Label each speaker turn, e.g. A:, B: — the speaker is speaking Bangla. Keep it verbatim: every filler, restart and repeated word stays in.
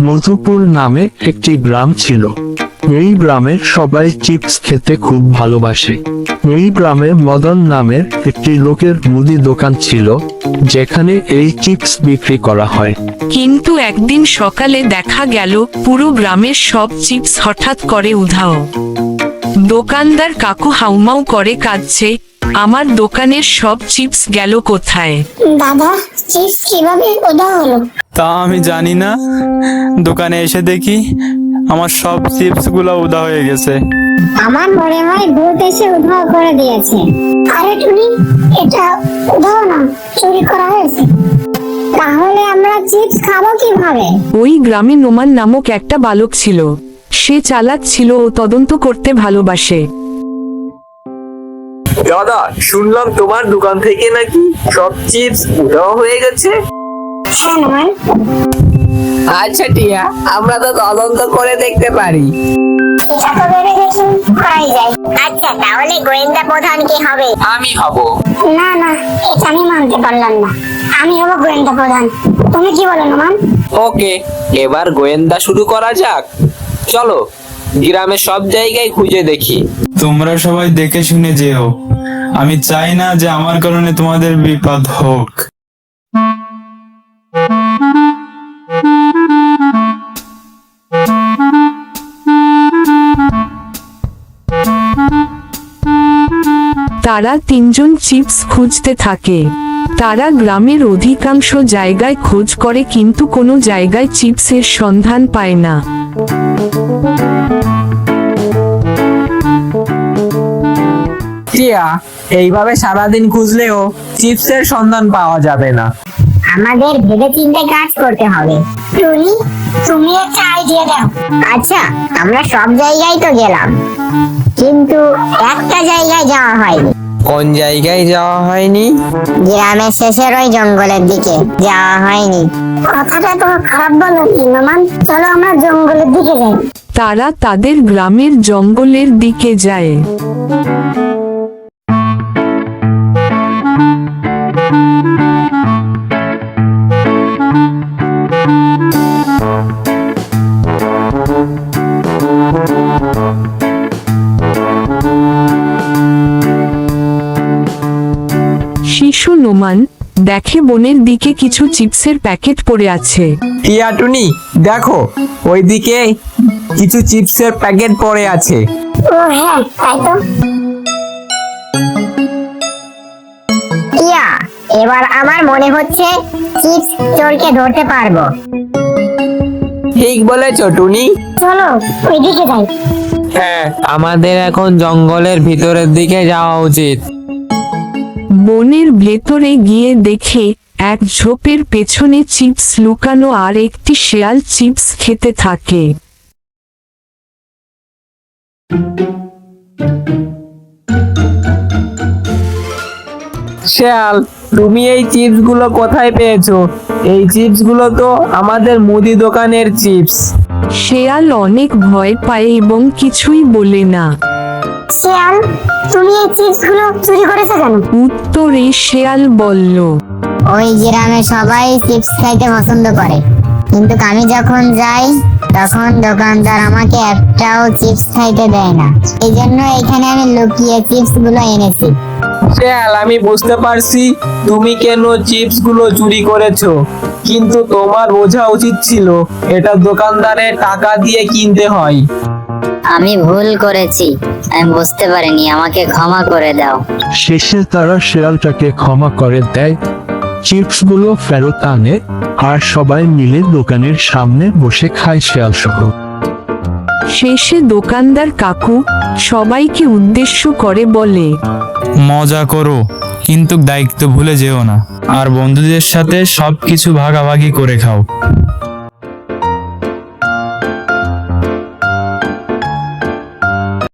A: মধুপুর নামে একটি গ্রাম ছিল। এই গ্রামের সবাই চিপস খেতে খুব ভালোবাসে। এই গ্রামে মদন নামের একটি লোকের মুদি দোকান ছিল, যেখানে এই চিপস বিক্রি করা হয়।
B: কিন্তু একদিন সকালে দেখা গেল পুরো গ্রামের সব চিপস হঠাৎ করে উধাও। দোকানদার কাকু হাউমাউ করে কাঁদছে, আমার দোকানের সব চিপস গেল কোথায়?
C: দাদা, চিপস কিভাবে উধাও হলো?
D: তা আমি জানি না, দোকানে এসে দেখি আমার সব চিপস গুলো উদা হয়ে গেছে।
C: আমার মনে হয় ভূত এসে উধাও করে দিয়েছে। আরে টুনি, এটা উধাও না, চুরি করা হয়েছে। তাহলে আমরা চিপস খাবো কিভাবে?
B: ওই গ্রামে নোমান নামক একটা বালক ছিল। সে চালাক ছিল ও তদন্ত করতে ভালোবাসে।
E: দাদা, শুনলাম তোমার দোকান থেকে নাকি সব চিপস উধাও হয়ে গেছে।
C: হ্যাঁ নোমান।
E: আচ্ছা টিয়া, আমরা তো তদন্ত করে দেখতে পারি।
C: এটা তো ভেবে দেখি করাই যায়। আচ্ছা, তাহলে গোয়েন্দা প্রধান কি হবে?
E: আমি হব।
C: না না, এটা আমি মানতে পারলাম না। আমি হব গোয়েন্দা প্রধান। তুমি কি বলো নোমান?
E: ওকে, এবার গোয়েন্দা শুরু করা যাক। চলো, গ্রামের সব জায়গায় খুঁজে দেখি।
D: তোমরা সবাই দেখে শুনে যেও, আমি চাই না যে আমার কারণে তোমাদের বিপদ হোক।
B: তারা তিনজন চিপস খুঁজতে থাকে। তারা গ্রামের অধিকাংশ জায়গায় খোঁজ করে, কিন্তু কোনো জায়গায় চিপসের সন্ধান পায় না।
E: টিয়া, এইভাবে সারাদিন খুঁজলেও চিপসের সন্ধান পাওয়া যাবে না।
C: আমাদের ভেবে চিন্তে কাজ করতে হবে। টুনি, তুমি একটা আইডিয়া দাও। আচ্ছা, আমরা সব জায়গায় তো গেলাম, কিন্তু একটা জায়গায় যাওয়া হয়নি।
E: কোন জায়গায় যাওয়া হয়নি?
C: গ্রামের শেষের ওই জঙ্গলের দিকে যাওয়া হয়নি। কথাটা তো খারাপ বলনি নোমান। চলো আমরা জঙ্গলের দিকে যাই।
B: তারা তাদের গ্রামের জঙ্গলের দিকে যায়। শিশু নোমান দেখে বনের দিকে কিছু চিপসের প্যাকেট পড়ে আছে।
E: টিয়া, টুনি, দেখো ওইদিকে কিছু চিপসের প্যাকেট পড়ে আছে।
C: ও হ্যাঁ, তাই তো। ইয়া, এবার আমার মনে হচ্ছে চিপস চোরকে ধরতে পারবো।
E: ঠিক বলেছো টুনি।
C: চলো ওইদিকে যাই।
E: হ্যাঁ, আমাদের এখন জঙ্গলের ভিতরের দিকে যাওয়া উচিত।
B: বনের ভেতরে গিয়ে দেখে এক ঝোপের পেছনে চিপস লুকানো আর একটি শেয়াল চিপস খেতে থাকে।
E: শেয়াল, তুমি এই চিপস গুলো কোথায় পেয়েছো? এই চিপস গুলো তো আমাদের মুদি দোকানের চিপস।
B: শেয়াল অনেক ভয় পায় এবং কিছুই বলে না।
C: শিয়াল, তুমি এই চিপস গুলো চুরি করেছো কেন?
B: উত্তরে শেয়াল বলল,
C: ওই গ্রামে সবাই চিপস খাইতে পছন্দ করে, কিন্তু আমি যখন যাই তখন দোকানদার আমাকে একটাও চিপস খাইতে দেয় না। এই জন্য এখানে আমি লুকিয়ে চিপস গুলো এনেছি।
E: শেয়াল, আমি বুঝতে পারছি তুমি কেন চিপস গুলো চুরি করেছো, কিন্তু তোমার বোঝা উচিত ছিল এটা দোকানদারের টাকা দিয়ে কিনতে হয়।
F: আমি ভুল করেছি, আমি বুঝতে পারিনি, আমাকে ক্ষমা করে দাও।
A: শেষে তারা শেয়ালটাকে ক্ষমা করে দেয়, চিপসগুলো ফেরত আনে, আর সবাই মিলে দোকানের সামনে বসে খায় শেয়াল সহ।
B: শেষে দোকানদার কাকু সবাইকে উদ্দেশ্য করে বলে,
D: মজা করো, কিন্তু দায়িত্ব ভুলে যেও না, আর বন্ধুদের সাথে সবকিছু ভাগাভাগি করে খাও।